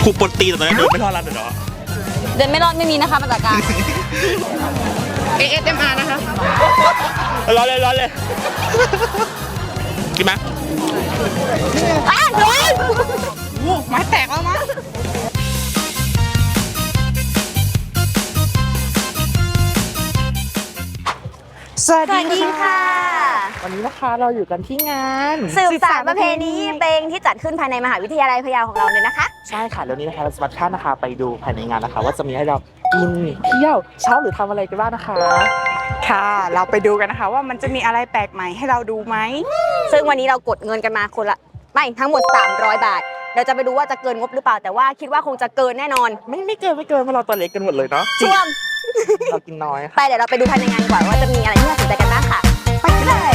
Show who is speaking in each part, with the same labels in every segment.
Speaker 1: ครูปนตีแต่ตอนนี้เดินไม่รอดแล้วเนาะ
Speaker 2: เดินไม่รอดไม่มีนะคะมาตรการ
Speaker 3: ASMR นะคะ
Speaker 1: ร้อนเลยกินไหม
Speaker 2: โดน
Speaker 3: ไม้แตกแล้วมั้งสวัสดีค่ะวันนี้นะคะเราอยู่กันที่งาน
Speaker 2: สืบสานประเพณีเพลงที่จัดขึ้นภายในมหาวิทยาลัยพะเยาของเราเลยนะคะ
Speaker 1: ใช่ค่ะแล้วนี้นะคะเราสมัครท่านนะคะไปดูภายในงานนะคะว่าจะมีให้เรากินเที่ยวเช้าหรือทำอะไรกันบ้างนะคะ
Speaker 3: ค่ะเราไปดูกันนะคะว่ามันจะมีอะไรแปลกใหม่ให้เราดูไหม
Speaker 2: ซึ่งวันนี้เรากดเงินกันมาคนละไม่ทั้งหมด300 บาทเราจะไปดูว่าจะเกินงบหรือเปล่าแต่ว่าคิดว่าคงจะเกินแน่นอน
Speaker 1: ไม่เกินเพราะเราตัวเล็กกันหมดเลยเนาะ
Speaker 2: ช่วง
Speaker 1: เรากินน้อย
Speaker 2: ไปเดี๋ยวเราไปดูภายในงานก่อนว่าจะมีอะไรที่น่าสนใจกันบ้างค่ะไปกันเลย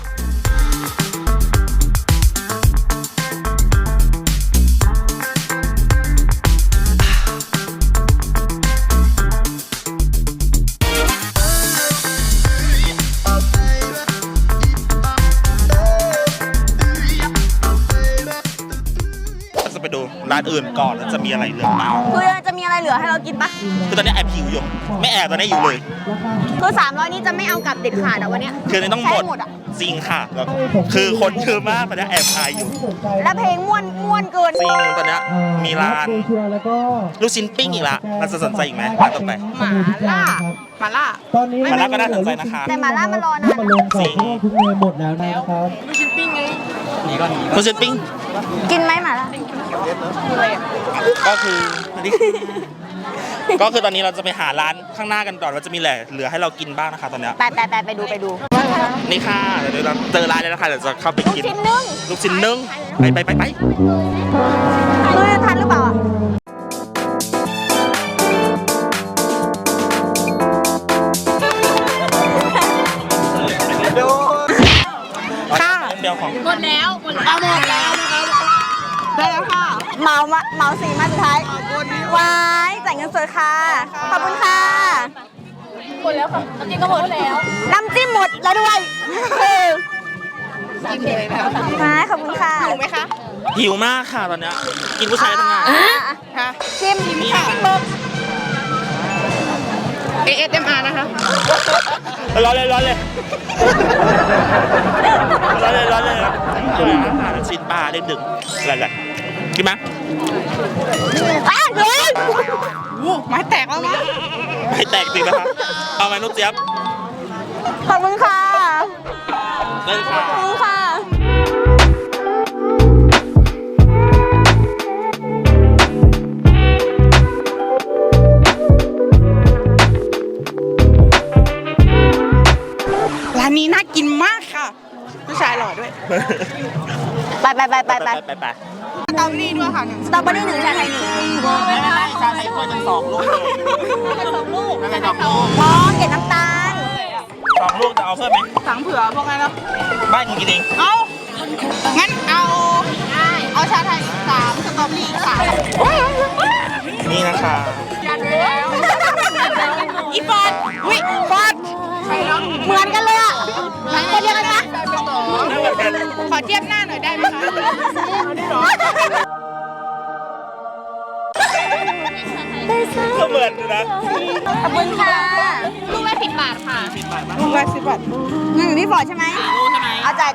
Speaker 1: ไปดูร้านอื่นก่อนแล้วจะมีอะไรเหลือบ้าง
Speaker 2: คือจะมีอะไรเหลือให้เรากินปะ
Speaker 1: คือตอนนี้แอบหิวอยู่ไม่แอบตอนนี้อยู่เลย
Speaker 2: คือ300นี้จะไม่เอากลับเด็ดขาดอะวันนี้
Speaker 1: คือต้องหมดจริงค่ะคือคนเยอะมากตอนนี้แอบอายอยู่
Speaker 2: แล้วเพลงม่วนเกิน
Speaker 1: จริงตอนนี้มีร้านลูกชิ้นปิ้งอีกละเราจะสนใจอีกไหมร้านต่อไป
Speaker 3: หม่าล่า
Speaker 1: ตอนนี้หม่าล่าก็น่าสนใจนะคะ
Speaker 2: แต่หม่าล่ามารอนะ
Speaker 1: จริง
Speaker 4: ทุกเมนูหมดแล้วนะครับ
Speaker 3: ลูกชิ้นปิ้งไง
Speaker 1: ลูกชิ้นปิ้ง
Speaker 2: กินไหมหม่าล่า
Speaker 1: ก็คือตอนนี้เราจะไปหาร้านข้างหน้ากันก่อนว่าจะมีอะไรเหลือให้เรากินบ้างนะคะตอนนี้
Speaker 2: ไปดู
Speaker 1: นี่ค่ะเดี๋ยวเราเจอร้านแล้วนะคะเดี๋ยวจะเข้าไปกินลูกชิ้นนึ่งไป
Speaker 2: ทันหรือเปล่า
Speaker 1: ค่ะเดียวของ
Speaker 2: หมดแล้วนะครับได้แล้วค่ะเมาสีมาสุดท้ายว้ายจ่ายเงินสดค่ะขอบคุณค่ะหมดแล้วค่ะน้ำจิ้มก็หมดแล้วน้ำจิ้มหมดแล้วด้วยจิ้มเลยแล้วขอบคุณค่ะ
Speaker 3: หิวไหมคะ
Speaker 1: หิวมากค่ะตอนนี้กินผู้ชายทั้งงาน
Speaker 3: ค่ะ
Speaker 2: ชิมค่ะ
Speaker 3: ASMR นะคะ
Speaker 1: ร้อนเลยชิ้นปลาเล็กดึกอะไรกินไหม
Speaker 3: ไม้แตกแล้วมั้ง
Speaker 1: ไม่แตกจริงนะคะเอาไหมนุ๊กเจี๊ยบ
Speaker 2: ขอบคุณค่ะ
Speaker 1: เล่นค่ะ
Speaker 2: ขอบคุณค่ะ
Speaker 3: ร้านนี้น่ากินมากค่ะผู้ชายหล่อด้วย
Speaker 2: ไป
Speaker 3: สตรอเบอรี่ด้วยค่ะ
Speaker 2: สตรอเบอรี่1ชาไทย1
Speaker 1: ชาไทยคน2 ลูกเลยนั่นแหละ2 ลูก
Speaker 2: เกล็ดน้ำตาล
Speaker 1: 2 ลูกจะเอาเพิ่มไหม
Speaker 3: สั่งเผื่อพวกนั้นแล้ว
Speaker 1: บ้านกินเอง
Speaker 3: เอางั้นเอาชาไทย3สตรอเบอรี่3
Speaker 1: นี่นะคะ
Speaker 3: อีฟอด
Speaker 2: เหมือนกันเลยอ่ะคนเดียวกันปะ
Speaker 3: ขอเทียบหน้าหน่อยได้ไหมคะ
Speaker 1: ก็เหมือนนะ
Speaker 2: ขอบคุณค่ะ
Speaker 3: ลูกละ10 บาทค่ะ
Speaker 1: 10 บาท
Speaker 3: ลูกละ10 บาท
Speaker 2: เงินอยู่ที่ฟอร์ดใช่ไหมเอาจ่าย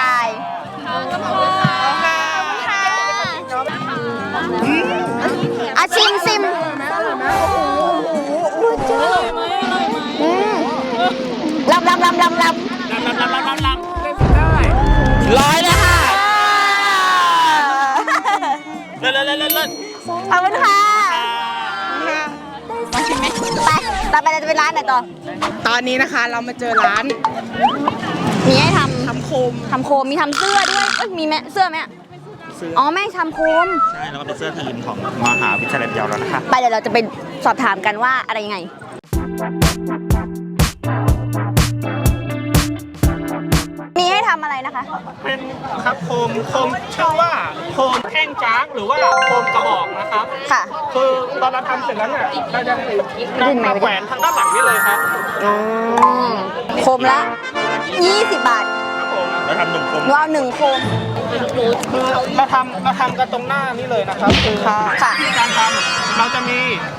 Speaker 2: ชิมลำ100เลยค่ะ
Speaker 1: เล่น
Speaker 2: ขอบคุณค่ะ
Speaker 3: มาชิมไหม
Speaker 2: ไปต่อไปเราจะไปร้านไหนต่อ
Speaker 3: ตอนนี้นะคะเรามาเจอร้าน
Speaker 2: มีให้ท
Speaker 3: ำโคม
Speaker 2: มีทำเสื้อด้วยมีไหมเสื้อไหมอ๋อแม่ทำโคม
Speaker 1: ใช่แล้วก็เป็นเสื้อทีมของมหาวิทยาลัยพะเยาแล้วนะคะ
Speaker 2: ไปเดี๋ยวเราจะไปสอบถามกันว่าอะไรยังไงมีให้ทำอะไรนะคะ
Speaker 5: เป็นครับโคมชื่อว่าโคมแท่งจ๊ากหรือว่าโคมกระบอกนะครับ
Speaker 2: ค่ะ
Speaker 5: คือตอนเราทำเสร็จแล้วเนี่ยเราจะนำมาแขวนทางด้านหลังนี่เลยครับ
Speaker 2: โคมละ20 บาท
Speaker 1: ครับผมแล้วทำ1 โคม
Speaker 2: เรา1 โคม
Speaker 5: คือเราทำกันตรงหน้านี่เลยนะครับคือ
Speaker 2: ค่ะ
Speaker 5: ที่การทำเราจะมี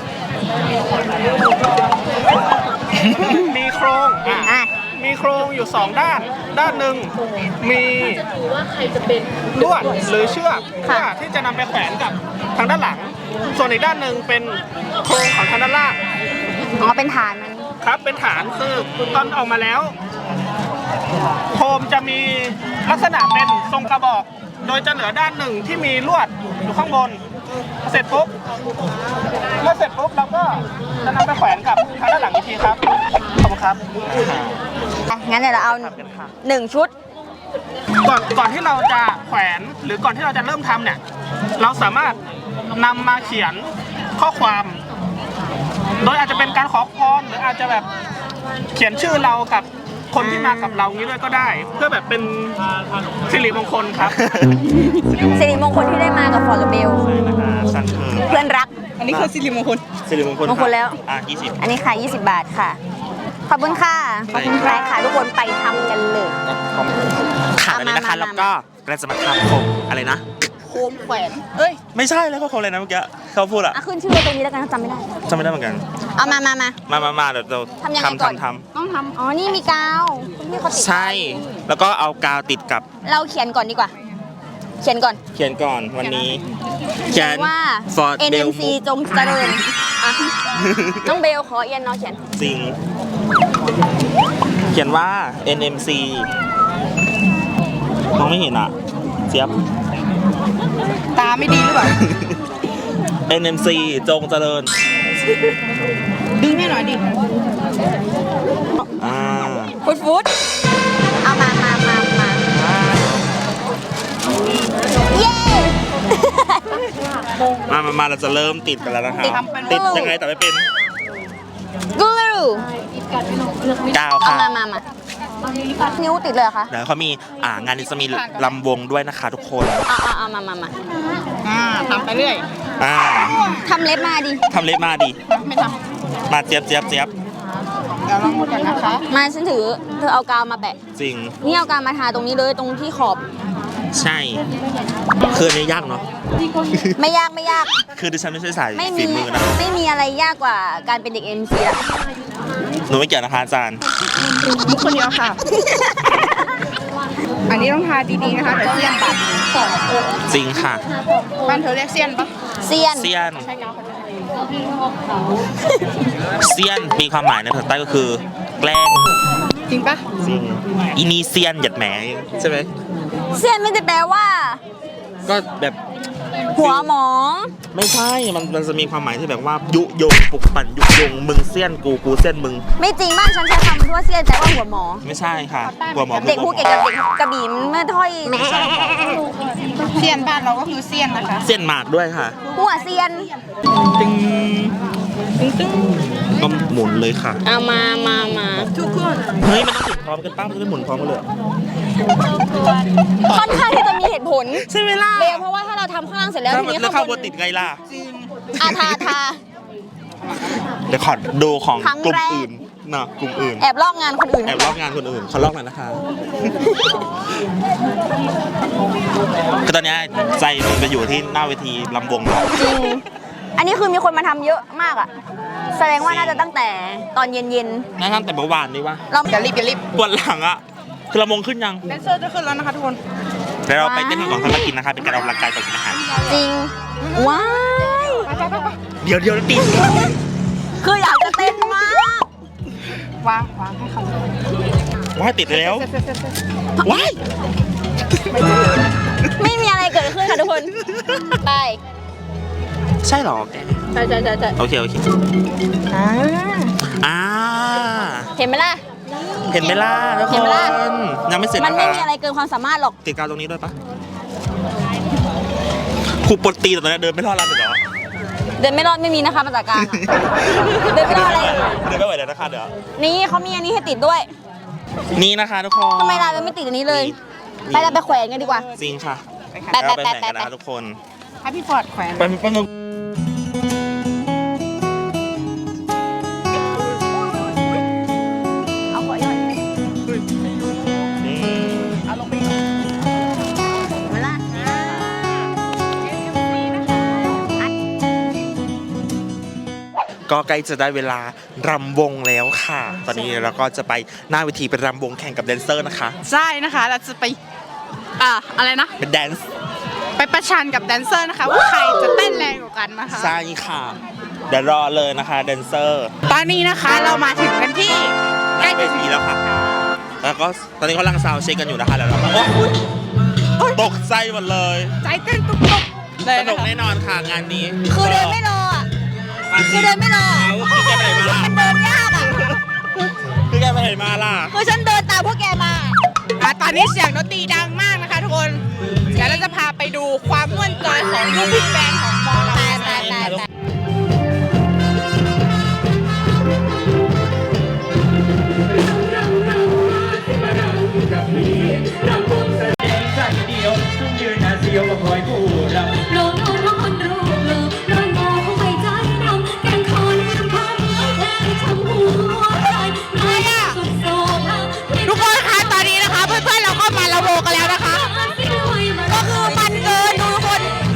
Speaker 5: โครงมีโครงอยู่2ด้านหนึ่งมีลวดหรือเชือกเพื่อที่จะนำไปแขวนกับทางด้านหลัง ส่วนอีกด้านหนึ่งเป็นโครงของทางด้านล่าง
Speaker 2: อ๋อเป็นฐานมัน
Speaker 5: ครับเป็นฐานคือตอนออกมาแล้วโคมจะมีลักษณะเป็นทรงกระบอก โดยจะเหลือด้านหนึ่งที่มีลวดอยู่ข้างบนเสร็จปุ๊บเราก็จะนำไปแขวนกับทางด้านหลังอีกทีครับขอบคุณครับ
Speaker 2: งั้นเดี๋ยวเราเอา1 ชุด
Speaker 5: ก่อนที่เราจะแขวนหรือก่อนที่เราจะเริ่มทำเนี่ยเราสามารถนำมาเขียนข้อความ โดยอาจจะเป็นการขอพรหรืออาจจะแบบเขียนชื่อเรากับคนที่มากับเรางี้ด้วยก็ได้ เพื่อแบบเป็นสิริมงคลครับ
Speaker 2: สิริมงคลที่ได้มากับฟอร์กับเบล
Speaker 1: สั่งคือ
Speaker 2: เพื่อนรัก
Speaker 3: อันนี้คือสิริมงคล
Speaker 1: สิริมงคล
Speaker 2: มงคลแล้ว
Speaker 1: 20
Speaker 2: อันนี้ค่ะ20 บาทค่ะ ขอบคุณค่ะ ขอบคุณค่ะทุกคนไปทำกันเลย
Speaker 1: ค่ะอันนี้นะคะแล้วก็เราจะมาทำโคมอะไรนะ
Speaker 3: โคมแขวนเอ้ย
Speaker 1: ไม่ใช่แล้วก็โคมอะไรนะเมื่อกี้เขาพูดอะ
Speaker 2: ขึ้นชื่อตรงนี้แล้วกันจำไม่ได้
Speaker 1: จำไม่ได้เหมือนกัน
Speaker 2: เอามา
Speaker 1: มาเดี๋ยวเรา
Speaker 2: ทำยังไงก่อน
Speaker 1: ท
Speaker 3: ต้องท
Speaker 2: อ๋อ นี่มีกาวคุณพี่เขาติด
Speaker 1: ำใช่ แล้วก็เอากาวติดกับ
Speaker 2: เราเขียนก่อนดีกว่า เขียนก่อน
Speaker 1: เขียนก่อนวันนี้เขียน
Speaker 2: ว่า
Speaker 1: Ford Bell
Speaker 2: NMC จงเจริญอ่ะน้องเบลขอเอียนน้องเขียน
Speaker 1: จริง เขียนว่า NMC มองไม่เห็นอ่ะเจี๊ยบ
Speaker 3: ำตาไม่ดีหรือเปล่า
Speaker 1: NMC จงเจริญ
Speaker 3: ดึงให้หน่อยดิ
Speaker 1: อ่า
Speaker 2: ฟุตเอามาเย้
Speaker 1: มาเราจะเริ่มติดกันแล้วนะคะ ติดยังไงแต่ไม่เป็น
Speaker 2: กูรู
Speaker 1: กาว
Speaker 2: เอา
Speaker 1: ค่ะ
Speaker 2: มานิ้วติดเลยเหรอคะ
Speaker 1: เดี๋ยวเขามีงานนี้จะมีลำวงด้วยนะคะทุกคน
Speaker 2: เอามา
Speaker 3: ทำไปเรื่อย
Speaker 2: ทำเล็บมาดิ
Speaker 1: ทำเล็บมาดิ
Speaker 3: ไม่ท
Speaker 1: มาเจี๊ยบ
Speaker 3: ำเดี๋ยวลองหมดกันนะคะ
Speaker 2: มาฉันถือ เธอเอากาวมาแปะ
Speaker 1: จริง
Speaker 2: นี่เอากาวมาทาตรงนี้เลยตรงที่ขอบ
Speaker 1: ใช่คืออันนี้ยากเนาะ
Speaker 2: ไม่ยาก
Speaker 1: คือดิฉันไม่ใช่สาย
Speaker 2: ไม่
Speaker 1: ฝี
Speaker 2: มี
Speaker 1: มือนะ
Speaker 2: ไม่มีอะไรยากกว่าการเป็นเด็ก MC ละ
Speaker 1: หนูไม่เกี่ยวนะคะอาจารย์
Speaker 3: มุกคนเดียวค่ะ อันนี้ต้องทาดีๆนะคะเดี๋ยวเสี้ยนบาด
Speaker 1: จริงค่ะ
Speaker 3: บ้านเธอเรียกเสี้ยนปะ
Speaker 2: เซียน
Speaker 1: เซียนเซียนมีความหมายในภาษาใต้ก็คือ แกล้ง
Speaker 3: จริงปะ
Speaker 1: จริงอีนี่เซียนหยัดแหมใช่ไหม
Speaker 2: เซียนไม่ได้แปลว่า
Speaker 1: ก็แบบ
Speaker 2: หัวหมอ
Speaker 1: ไม่ใช่มันจะมีความหมายที่แบบว่ายุยงปลุกปั่นยุยงมึงเซียนกูเซียนมึง
Speaker 2: ไม่จริงบ้านฉันใช้คำว่าเซียนแปลว่าหัวหมอ
Speaker 1: ไม่ใช่ค่ะหัวหมอ
Speaker 2: เด็กภูเก็ตกับเด็กกระบี่มันไม่ถ้อย
Speaker 3: เสี้ยนบ้านเราก็คือเสี้ยนนะคะ
Speaker 1: เซียนหมากด้วยค่ะ
Speaker 2: หัวเซียน
Speaker 1: ตึงก็หมุนเลยค่ะ
Speaker 2: เอามา
Speaker 3: ทุกคน
Speaker 1: เฮ้ยมันต้องติดพร้อมกันป้ามันจะได้หมุนพร้อมกันเลย
Speaker 2: ค่อนข้างที่จะมีเหตุผล
Speaker 1: ใช่ไหมล่ะ
Speaker 2: เบลเพราะว่าถ้าเราทำข้างล่างเสร็จแล้วทีนี้
Speaker 1: แล้ว
Speaker 2: ข้า
Speaker 1: ข้าง
Speaker 2: ง
Speaker 1: บบ น
Speaker 2: น
Speaker 1: ติดไงล่ะ
Speaker 2: ทา
Speaker 1: เดี๋ยวขอดูของ
Speaker 2: ครั้ง
Speaker 1: กลุ่ม
Speaker 2: แรก
Speaker 1: อื่นเนาะกลุ่มอื่น
Speaker 2: แอบลอกงานคนอื่น
Speaker 1: แอบลอกงานคนอื่นขอลอกหน่อยนะคะ คือตอนเนี้ยใจมันไปอยู่ที่หน้าเวทีลำวงแล้ว
Speaker 2: จริง อันนี้คือมีคนมาทำเยอะมากอ่ะ แสดงว่าน่าจะตั้งแต่ตอนเย็น
Speaker 1: นั่นตั้งแต่เมื่อวานนี่วะ
Speaker 2: ๆ เรา
Speaker 3: อย่ารีบ
Speaker 1: ปวดหลังอะคือลำวงขึ้นยัง
Speaker 3: แดนเซอร์จะขึ้นแล้วนะคะทุกคน
Speaker 1: เดี๋ยวเราไปเต้นกันก่อนค่อยมากินนะคะ เป็นการออกกำลังกายก่อนกินอาหาร
Speaker 2: จริง ว้าย
Speaker 1: เดี๋ยวติด
Speaker 2: คืออยากจะเต้นมาก
Speaker 3: วางให้เขา
Speaker 1: ว้ายติดแล้วว้าย
Speaker 2: ไม่มีอะไรเกิดขึ้นค่ะทุกคน ไป
Speaker 1: ใช่หรอแก
Speaker 2: ใช่
Speaker 1: โอเคอ่า
Speaker 2: เห็นไหมล่ะ
Speaker 1: เห็นไหมล่ะทุก
Speaker 2: เห็
Speaker 1: คน
Speaker 2: ไหมล่ะ
Speaker 1: ยังไม่เสร็จ
Speaker 2: มัน
Speaker 1: นะ
Speaker 2: ไม่
Speaker 1: คะ
Speaker 2: มีอะไรเกินความสามารถหรอก
Speaker 1: ติดกาวตรงนี้ด้วยปะครูปลดตีแต่ตอนนี้เดินไม่รอดแล้วเหรอ
Speaker 2: เดินไม่รอดไม่มีนะคะมาจากกลางอะเดินไม่รอดเลย
Speaker 1: เดินไม่ไหวแล้วนะคะเดี๋ยว
Speaker 2: นี่เขามีอันนี้ให้ติดด้วย
Speaker 1: นี่นะคะทุกคน
Speaker 2: ทำไมเราไม่ติดอันนี้เลย ไปเราไปแขวนกันดีกว่า
Speaker 1: จริงค่ะ
Speaker 2: ไป
Speaker 1: เราไปแข่งกันนะคะทุกคน
Speaker 3: ให้พี่ฟอร์ดแขวน
Speaker 1: ไปแป๊บนึง
Speaker 2: เอาขอยอด
Speaker 1: นี่
Speaker 2: เวลา
Speaker 1: ก็ใกล้จะได้เวลารำวงแล้วค่ะ ตอนนี้เราก็จะไปหน้าเวทีไปรำวงแข่งกับแดนเซอร์นะคะ
Speaker 3: ใช่นะคะเราจะไปอะไรนะ
Speaker 1: เป็นแดนซ์
Speaker 3: ไปประชันกับแดนเซอร์นะคะว่าใครจะเต้นแรงกว่ากันนะคะ
Speaker 1: ใช่ค่ะ เดี๋ยวรอเลยนะคะแดนเซอร์
Speaker 3: ตอนนี้นะคะเรามาถึงกันที่
Speaker 1: ใกล้เวทีแล้วค่ะ แล้วก็ตอนนี้เขากำลังซาวด์เช็คกันอยู่นะคะแล้วเราก็ตกใจหมดเลย
Speaker 3: ใจเต้นตุกๆเลย
Speaker 1: สนุ
Speaker 3: นะ
Speaker 1: ก
Speaker 3: คะ
Speaker 1: แน่นอนค่ะงานนี้
Speaker 2: คือเดินไม่รออ่ะ คือเดินไม่รอ
Speaker 1: คือแกไปไหนมาล่ะ
Speaker 2: มันเดินยากอ่ะ
Speaker 1: คือแกไปไหนมาล่ะ
Speaker 2: คือฉันเดินตามพวกแกมา
Speaker 3: ตอนนี้เสียงดนตรีดังมากนะคะทุกคนเดี๋ยวเราจะพาไปดูความม่วนจอยของลูกพี่แบนด์ของมอเรา
Speaker 6: โลโลน้องคนรูปเลิฟโลโลเขาไปใจดำแกงคอนทำพันแทงช้ำหัวใจน้อยสุดโศก
Speaker 3: ทุกคนคะตอนนี้นะคะเพื่อนๆเราก็มาละโวกันแล้วนะคะ
Speaker 2: ก็คือมันเกินดูทุกคน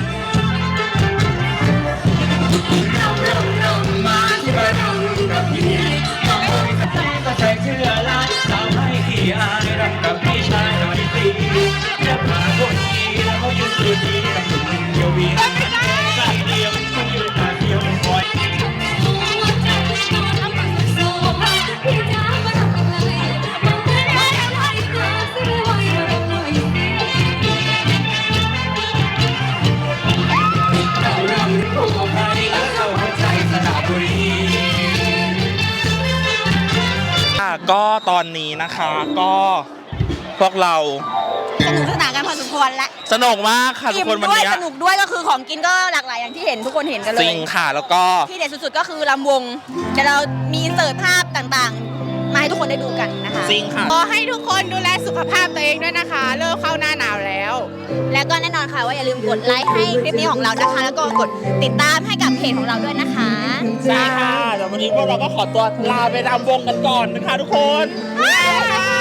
Speaker 6: ก็ใส่เสื้อลายสาวให้ขี้อายรำกับพี่ชายหน่อยสิจะพาคนดีแล้วเขายืนสุดดีกับหนุ่มเดียววีใจเดียวเขายืนตาเดียวคอย
Speaker 1: ก็ตอนนี้นะคะก็พวกเรา
Speaker 2: สนุกสนานกันพอสมควรและ
Speaker 1: สนุกมากค่ะทุกคนวัน
Speaker 2: ด้วย
Speaker 1: นี้
Speaker 2: สนุกด้วยก็คือของกินก็หลากหลายอย่างที่เห็นทุกคนเห็นกันเล
Speaker 1: จริ
Speaker 2: ย
Speaker 1: งค่ะแล้วก็
Speaker 2: ที่เด็ดสุดๆก็คือลำวงเดี๋ยวเรามีอินเสิร์ตภาพต่างๆ มาให้ทุกคนได้ดูกันนะคะ
Speaker 1: จริงค่ะ
Speaker 3: ขอให้ทุกคนดูแลสุขภาพตัวเองด้วยนะคะ เริ่มเข้าหน้าหนาวแล้ว
Speaker 2: แล้วก็แน่นอนค่ะว่าอย่าลืมกดไลค์ให้คลิปนี้ของเรานะคะ แล้วก็กดติดตามให้กับเพจของเราด้วยนะคะ
Speaker 1: ใช่ค่ะแต่วันนี้พวกเราก็ขอตัวลาไปรำวงกันก่อนนะคะทุกคน
Speaker 2: บ๊ายบาย